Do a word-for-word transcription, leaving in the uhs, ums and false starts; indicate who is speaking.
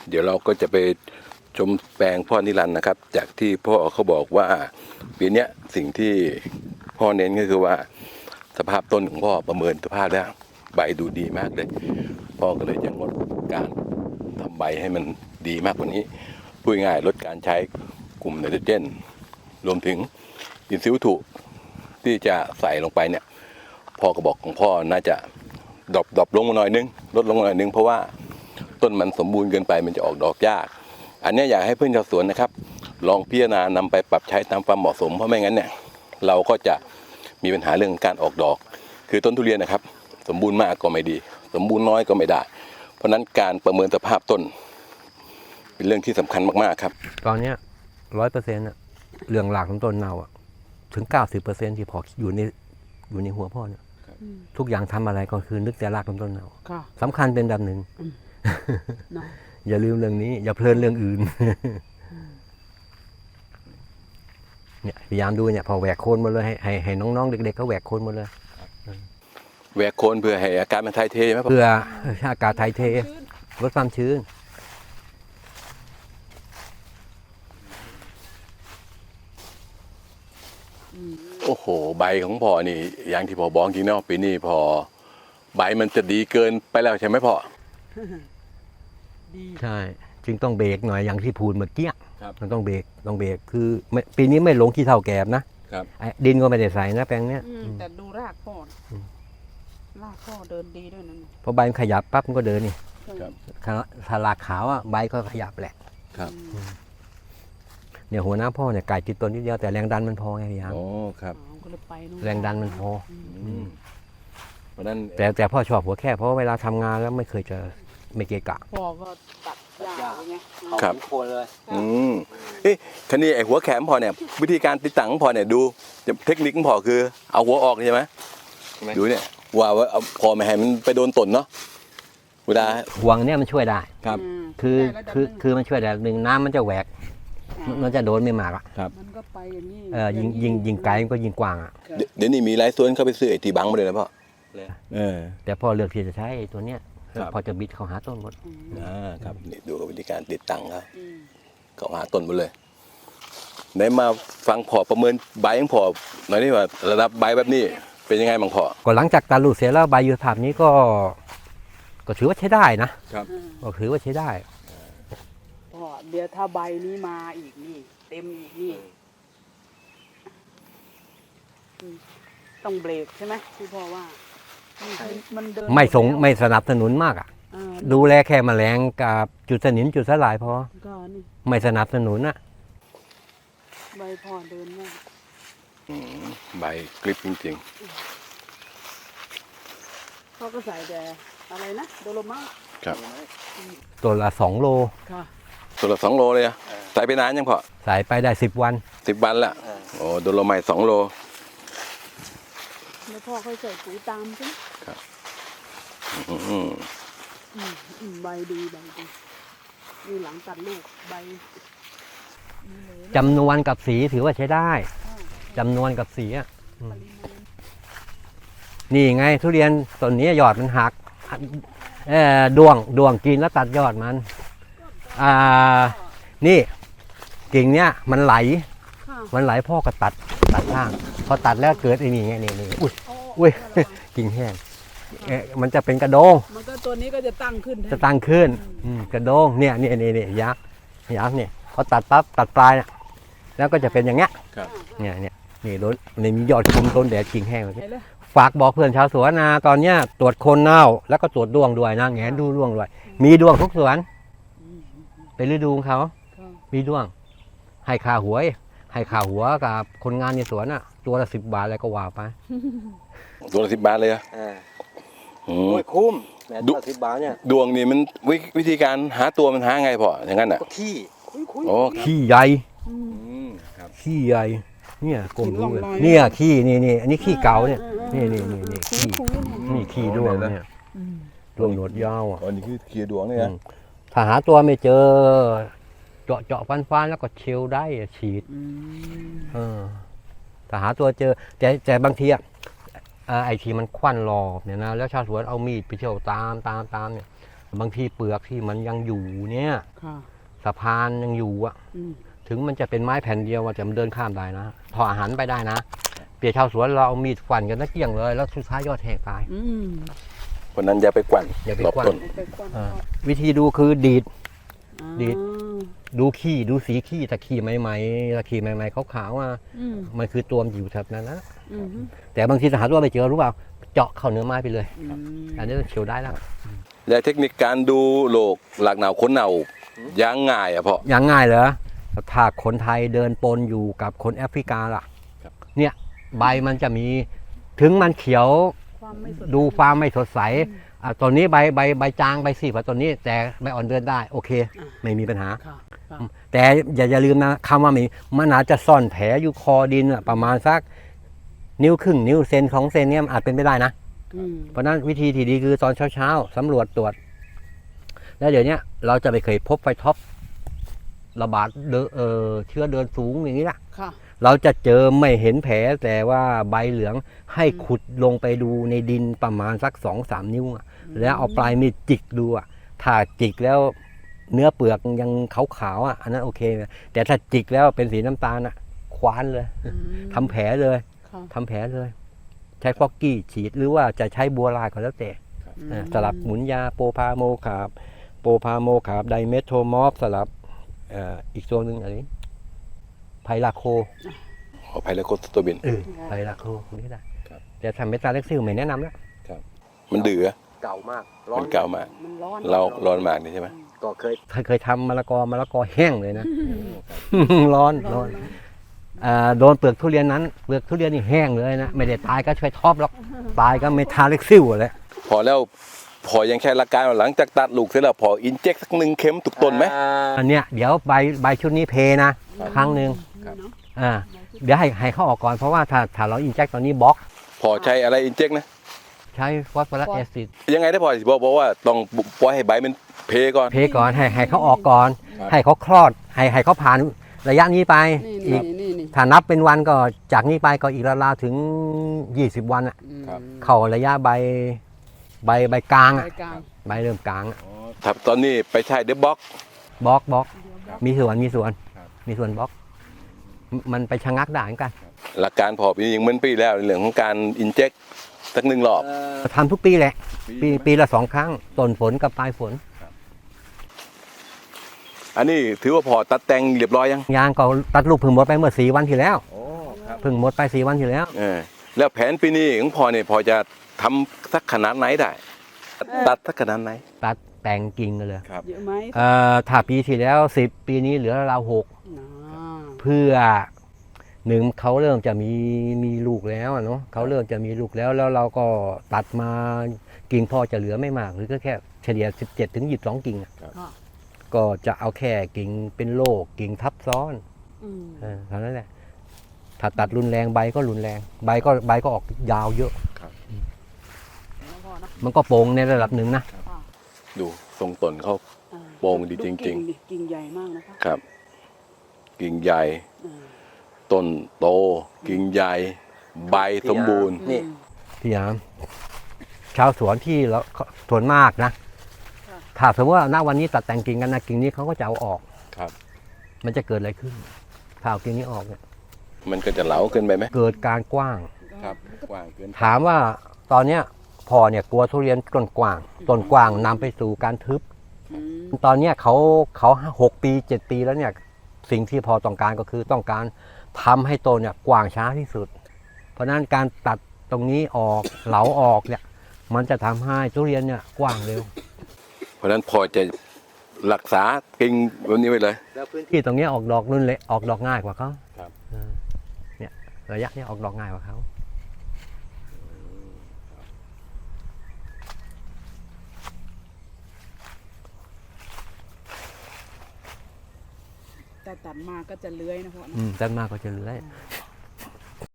Speaker 1: เดี๋ยวเราก็จะไปชมแปลงพ่อนิรันดร์นะครับ จากที่พ่อเขาบอกว่าปีนี้สิ่งที่พ่อเน้นก็คือว่าสภาพต้นของพ่อประเมินสภาพแล้วใบดูดีมากเลยพ่อก็เลยจะงดการทำใบให้มันดีมากกว่านี้พูดง่ายลดการใช้กลุ่มไนโตรเจนรวมถึงอินทรีย์วัตถุที่จะใส่ลงไปเนี่ยพ่อก็บอกของพ่อน่าจะดรอปดรอปลงมาหน่อยนึงลดลงมาหน่อยนึงเพราะว่าต้นมันสมบูรณ์เกินไปมันจะออกดอกยากอันนี้อยากให้เพื่อนชาวสวนนะครับลองพิจารณานำไปปรับใช้ตามความเหมาะสมเพราะไม่งั้นเนี่ยเราก็จะมีปัญหาเรื่องการออกดอกคือต้นทุเรียนนะครับสมบูรณ์มากก็ไม่ดีสมบูรณ์น้อยก็ไม่ได้เพราะนั้นการประเมินสภาพต้นเป็นเรื่องที่สำคัญมากๆครับ
Speaker 2: ตอนนี้ร้อยเปอร์เซ็นต์อะเรื่องหลักของต้นเน่าอะถึงเก้าสิบเปอร์เซ็นต์ที่พออยู่ในอยู่ในหัวพ่อเนี่ยทุกอย่างทำอะไรก็คือนึกแต่รากของต้นเน่าสำคัญเป็นแบบหนึ่งอย่าลืมเรื่องนี้อย่าเพลินเรื่องอื่นเนี่ยพยายามดูเนี่ยพอแหวกโคนหมดเลยให้ให้ให้น้องๆเด็กๆเขาแหวกโคนหมดเลย
Speaker 1: แหวกโคนเพื่อให้อากาศมันถ่ายเทไหม
Speaker 2: เพื่ออากาศถ่ายเทลดความชื้น
Speaker 1: โอ้โหใบของพ่อนี่อย่างที่พ่อบอกจริงเนาะปีนี้พอใบมันจะดีเกินไปแล้วใช่ไหมพ่อ
Speaker 2: ใช่จึงต้องเบรกหน่อยอย่างที่พูดเมื่อกี้มันต้องเบรกต้องเบรกคือปีนี้ไม่ลงขี้เถ้าแกบนะดินก็ไม่ได้ใส่นะแปลงเนี้ย
Speaker 3: แต่ดูรากพ่อรากพ่อเดินดีด้วยนั่น
Speaker 2: พอใบมันขยับปั๊บมันก็เดินนี่ถ้ารากขาวอ่ะใบก็ขยับแหละ
Speaker 1: ครับ
Speaker 2: เนี่ยหัวหน้าพ่อเนี่ยไก่ติดต้นนิดเดียวแต่แรงดันมันพอไงพี่ยัง
Speaker 1: โอ้ครับ
Speaker 2: แรงดันมันพอ
Speaker 1: เพราะนั้น
Speaker 2: แต่แต่พ่อชอบหัวแค่เพราะเวลาทำงานแล้วไม่เคยจะไม่เกะกะ
Speaker 3: พ่อก็ตัดหญ้าไง
Speaker 1: ครับโคนเลยอืมเอ๊ะคันนี้ไอ้หัวแขมพอเนี่ยวิธีการติดตั้งพอเนี่ยดูเทคนิคของพอคือเอาหัวออกใช่ไหมดูเนี่ยว่าว่าเอาพอไม่ให้มันไปโดนต้นเนาะเวลา
Speaker 2: ห่วงเนี่ยมันช่วยได้
Speaker 1: ครับ
Speaker 2: คือคือคือมันช่วยได้หนึ่งน้ำมันจะแหวกมันจะโดนไม่มากอ่ะ
Speaker 1: ครับ
Speaker 3: มันก็ไปอย่างนี้
Speaker 2: เออยิงยิงยิงไกลมันก็ยิงกว้างอ่ะ
Speaker 1: เดี๋ยวนี้มีหลายส่วนเข้าไปซื้อไอ้ตีบังมาเลยนะพ่อ
Speaker 2: เออแต่พอเลือกที่จะใช้ตัวเนี้ยพอจะบิดเข้าหาต้นหมด
Speaker 1: อ่าครับนี่ดูวิธีการติดตั้งครับเข้าหาต้นหมดเลยไหนมาฟังพอประเมินใบของพอหน่อยนี่ว่าระดับใบแบบนี้เป็นยังไงบ้างพอ
Speaker 2: ก็หลังจากการลูดเสร็จแล้วใบยูทาบนี้ก็ก็ถือว่าใช้ได้นะครับก็ถือว่าใช้ได้
Speaker 3: พ่อเดี๋ยวถ้าใบนี้มาอีกนี่เต็มอีกนี่ต้องเบรกใช่ไหมที่พ่อว่า
Speaker 2: มันเดินไม่ส่งไม่สนับสนุนมากอ่ะดูแลแค่แมลงกับจุดสนิมจุดสลายพอไม่สนับสนุนอ่ะ
Speaker 3: ใบพ่อเดินมาก
Speaker 1: ใบกริบจริง
Speaker 3: ๆพ่อก็ใส่แต่อะไรนะโดโลมา
Speaker 1: ครับ
Speaker 2: ตัวละสองโล
Speaker 1: ตัวละสองโลเลยอ่ะใส่ไปนานยังพอ
Speaker 2: ใส่ไปได้สิบวัน
Speaker 1: สิบวันละโอ้โดโลไมต์สองโล
Speaker 3: แล้วพ่อค่อยใส่ปุ๋ยตามใช่ไหม
Speaker 1: ครับ
Speaker 3: ใบดีใบดีนี่หลังตัดลูกใบ
Speaker 2: จำนวนกับสีถือว่าใช้ได้จำนวนกับสีอ่ะนี่ไงทุเรียนต้นนี้ยอดมันหักเออดวงดวงกินแล้วตัดยอดมันอ่านี่กิ่งเนี้ยมันไหลมันไหลพ่อก็ตัดตัดล่างพอตัดแล้วเกิดไอ้นี่ไงนี่นี่อุ้ยอุ้ยกิ่งแห้งเอ๊ะมันจะเป็นกระโดง
Speaker 3: มันก็ตัวนี้ก็จะตั้งขึ้น
Speaker 2: จะตั้งขึ้นกระโดงเนี่ยนี่นี่นี่ยักษ์ยักษ์เนี่ยพอตัดปั๊บตัดปลายนะแล้วก็จะเป็นอย่างเงี้ยเนี่ยเนี่ยนี่ต้นนี่มียอดคุมต้นแดดกิ่งแห้งเลยฝากบอกเพื่อนชาวสวนนะตอนเนี้ยตรวจโคนเน่าแล้วก็ตรวจดวงด้วยนะแงนดูดวงด้วยมีดวงทุกสวนเป็นฤดูของเขามีดวงให้ค่าหัวให้ค่าหัวกับคนงานในสวนอ่ะตัวละสิบบาทอะไรก็ว่าไป
Speaker 1: ตัวละสิบบาทเลยอ่ะ
Speaker 2: โอ้ยคุ้มแม่ตัวสิบบาทเนี่ย
Speaker 1: ดวงนี่มันวิธีการหาตัวมันหาไงพออย่างนั้นอ่ะ
Speaker 2: ขี้โอ้ขี้ใหญ่ขี้ใหญ่เนี่ยกลมดูเลยเนี่ยขี้นี่นี่อันนี้ขี้เก่าเนี่ยนี่นี่นี่นี่ขี้นี่ขี้ดวงเนี่ยดวงหนวดยาวอ่ะ
Speaker 1: อันนี้คือขี้ดวงเนี่ย
Speaker 2: ถ้าหาตัวไม่เจอเจาะเจาะฟันฟันแล้วก็เชลได้ฉีดถ้าหาตัวเจอแต่แต่บางทีอ่ะไอทีมันควันรอบเนี่ยนะแล้วชาวสวนเอามีดไปเชี่ยวตามตามตามเนี่ยบางทีเปลือกที่มันยังอยู่เนี่ย
Speaker 3: ค่ะ
Speaker 2: สะพานยังอยู่อะ
Speaker 3: อืม
Speaker 2: ถึงมันจะเป็นไม้แผ่นเดียวอะแต่มันเดินข้ามได้นะพออาหารไปได้นะเปียชาวสวนเราเอามีดฟันกันนักเกี่ยงเลยแล้วสุดท้ายยอดแหกตาย
Speaker 3: อืม
Speaker 1: เพราะนั้นอย่าไปกวน
Speaker 2: อย่าไป
Speaker 1: รอบ
Speaker 2: กวน
Speaker 1: ต้น
Speaker 3: เอาไปกวน
Speaker 2: อ่าวิธีดูคือดีด
Speaker 3: อ่า
Speaker 2: ดีด ดูขี้ดูสีขี้แต่ขี้ใหม่ๆถ้าขี้ใหม่ๆขาวๆอ่ะ
Speaker 3: อืม
Speaker 2: มันคือตัวมันอยู่แถบนั้นนะ
Speaker 3: อืม
Speaker 2: แต่บางทีหาตัวไม่เจอรู้เปล่าเจาะเข้าเนื้อไม้ไปเลย
Speaker 3: อืม
Speaker 2: อันนี้เขียวได้แล้ว
Speaker 1: และเทคนิคการดูโรคหลักหนาวค้นเน่ายังง่ายอ่ะพ่อ
Speaker 2: อย่างง่ายเหรอถ้าคนไทยเดินปนอยู่กับคนแอฟริกาล่ะ
Speaker 1: ครับ
Speaker 2: เนี่ยใบมันจะมีถึงมันเขียว
Speaker 3: ความไม่สด
Speaker 2: ดูความไม่สดใสอ่ะตอนนี้ใบใบใบจางใบสีกว่าตอนนี้แต่ใบอ่อนเดินได้โอเค ไม่มีปัญหา
Speaker 3: ค่ะค่ะ
Speaker 2: แต่อย่าอย่าลืมนะคำว่ามีมันอาจจะซ่อนแผลอยู่คอดินอะประมาณสักนิ้วครึ่งนิ้วเซนของเซนเนี่ยมันอาจเป็นไปได้นะ
Speaker 3: อืม
Speaker 2: เพราะฉะนั้นวิธีที่ดีคือตอนเช้าๆสำรวจตรวจ แล้วเดี๋ยวนี้เราจะไม่เคยพบไฟท็อประบาดเดนเออเชื้อเดินสูงอย่างนี้ละ
Speaker 3: ค่ะ
Speaker 2: เราจะเจอไม่เห็นแผลแต่ว่าใบเหลืองให้ขุดลงไปดูในดินประมาณสักสองสามนิ้วอะแล้วเอาปลายมีดจิกดูอะถ้าจิกแล้วเนื้อเปลือกยังขาวๆอ่ะอันนั้นโอเคนะแต่ถ้าจิกแล้วเป็นสีน้ำตาลอ่ะคว้านเลย
Speaker 3: อืม
Speaker 2: ทำแผลเลย
Speaker 3: ค่ะ
Speaker 2: ทำแผลเลย ใช้ฟอกกี้ฉีดหรือว่าจะใช้บัวลายก็แล้วแต่
Speaker 3: อืม
Speaker 2: อ่าสลับหมุนยาโปรพาโมคาบโปรพาโมคาบไดเมทโทมอฟสลับเอ่ออีกตัวหนึ่งอะไรไพลาโค
Speaker 1: ขออภัยแล้วโคสโตบิน
Speaker 2: เออไพลาโคนี่ได้
Speaker 1: ครับ
Speaker 2: แต่ทำเมตาเล็กซิลไม่แนะนำแล้ว
Speaker 1: มันดื้อ
Speaker 2: เก่ามาก
Speaker 1: มันเก่ามาก
Speaker 3: มันร้อน
Speaker 1: เราร้อนมากนี่ใช่ไหม
Speaker 2: ก็เคยเคยทำมะละกอมะละกอแห้งเลยนะ ร้อนร้อนอ่าโดนเปลือกทุเรียนนั้นเปลือกทุเรียนนี่แห้งเลยนะไม่ได้ตายก็ช่วยท็อปหรอกตายก็เมทาเล็กซิลเลย
Speaker 1: พอแล้วพอยังแค่หลักการว่าหลังจากตัดลูกเสร็จแล้วพออินเจกสักหนึ่งเข็มตุกต้นไหม
Speaker 2: อันเนี้ยเดี๋ยวใบใบชุดนี้เพนะ ครั้งหนึ่ง
Speaker 1: ครับ
Speaker 3: เนาะ
Speaker 2: อ่าเดี๋ยวให้ให้เขาออกก่อนเพราะว่าถ้าถ้าเราอินเจคตอนนี้บล็อก
Speaker 1: พอใช้อะไรอินเจกนะ
Speaker 2: ใช้ฟอสฟอรัสแอซิด
Speaker 1: ยังไงได้พอสิบอกบอกว่าต้องปล่อยให้ใบมันเพก่อน
Speaker 2: เพก่อนให้ให้เขาออกก่อน
Speaker 1: ครับ
Speaker 2: ให้เขาคลอดให้ให้เขาผ่านระยะนี้ไป
Speaker 3: นี่
Speaker 2: อี
Speaker 3: นี่
Speaker 2: ก
Speaker 3: นี่นี่
Speaker 2: ถ้านับเป็นวันก็จากนี้ไปก็อีกราวๆถึงยี่สิบวันอะ
Speaker 3: อืม
Speaker 2: เข้าระยะใบใบใบกลางอะ
Speaker 3: รายการ
Speaker 2: ใบเริ่มกลางอะ
Speaker 1: ถ้าตอนนี้ไปใช้เดบบ็อก
Speaker 2: บล็อกบล็อก
Speaker 1: ครับ
Speaker 2: มีส่วนมีส่วน
Speaker 1: ครับ
Speaker 2: มีส่วนบล็อกมมันไปชะงักได้เหมือนกัน
Speaker 1: หลักการพอปีนี้ยังเหมือนปีแล้วในเรื่องของการอินเจกสักหนึ่งรอบ
Speaker 2: ทำทุกปีแหละ ปีปีละสองครั้งต้นฝนกับปลายฝน
Speaker 1: อันนี้ถือว่าพอตัดแต่งเรียบร้อยยัง
Speaker 2: ยางก็ตัดลูกพึ่งหมดไปเมื่อสี่วันที่แล้ว
Speaker 1: โอ้ครับ
Speaker 2: พึ่งหมดไปสี่วันที่แล้ว
Speaker 1: เออแล้วแผนปีนี้ของพอเนี่ยพอจะทำสักขนาดไหนได้ ตัดสักขนาดไหน
Speaker 2: ตัดแต่งกิ่งกันเลย
Speaker 1: ครับ
Speaker 3: เยอะไหม
Speaker 2: เอ่อถ้าปีที่แล้วสิบปีนี้เหลือราวหก
Speaker 3: อ่า
Speaker 2: เพื่อหนึ่งเขาเริ่มจะมีมีลูกแล้วอะเนาะเขาเริ่มจะมีลูกแล้วแล้วเราก็ตัดมากิ่งพอจะเหลือไม่มากหรือก็แค่เฉลี่ยสิบเจ็ดถึงยี่สิบสองกิ่งอะ
Speaker 3: ค่ะ
Speaker 2: ก็จะเอาแค่กิ่งเป็นโรคกิ่งทับซ้อน
Speaker 3: อืม
Speaker 2: เออเท่านั้นแหละถ้าตัดรุนแรงใบก็รุนแรง ใบก็ใบก็ออกยาวเยอะ
Speaker 3: แล้วพอนะ
Speaker 2: มันก็โป่งในระดับหนึ่งนะ
Speaker 3: ค่ะ
Speaker 1: ดูทรงตนเขา
Speaker 3: อ่า
Speaker 1: โป่งดีจริงๆ
Speaker 3: กิ่ดิกิ่งใหญ่มากนะคะ
Speaker 1: ครับ กิ่งใหญ่
Speaker 3: อ่า
Speaker 1: ต้นโต กิ่งใหญ่ ใบสมบูรณ์
Speaker 2: นี่ พี่ยามชาวสวนที่เราสวนมากนะถ้าสมมติว่าณวันนี้ตัดแต่งกิ่งกันนะกิ่งนี้เขาก็จะเอาออก
Speaker 1: ครับ
Speaker 2: มันจะเกิดอะไรขึ้นถ้าเอากิ่งนี้ออกเนี่ย
Speaker 1: มันก็จะเหลาเกินไปไหม
Speaker 2: เกิดการกว้าง
Speaker 1: ครับกว้างเกิน
Speaker 2: ถามว่าตอนเนี้ยพอเนี่ยกลัวทุเรียนต้นกว้างต้นกว้างนำไปสู่การทึบ
Speaker 3: อืม
Speaker 2: ตอนเนี้ยเขาเขาหกปีเจ็ดปีแล้วเนี่ยสิ่งที่พอต้องการก็คือต้องการทำให้ต้นเนี่ยกว้างช้าที่สุด เพราะฉะนั้นการตัดตรงนี้ออกเหลาออกเนี่ยมันจะทำให้ทุเรียนเนี่ยกว้างเร็ว
Speaker 1: เพราะฉะนั้นพอจะรักษากิ่งแบบนี้ไว้เลย
Speaker 2: ที่ตรงเนี้ยออกดอกรุ่นเล็กออกดอกง่ายกว่าเขา
Speaker 1: ครับ
Speaker 2: เออเนี่ยระยะเนี้ยออกดอกง่ายกว่าเขา
Speaker 3: แต่ตัดมาก็จะเลื้อยนะพ่อนะ
Speaker 2: อืมด้านมากก็จะเลื้อย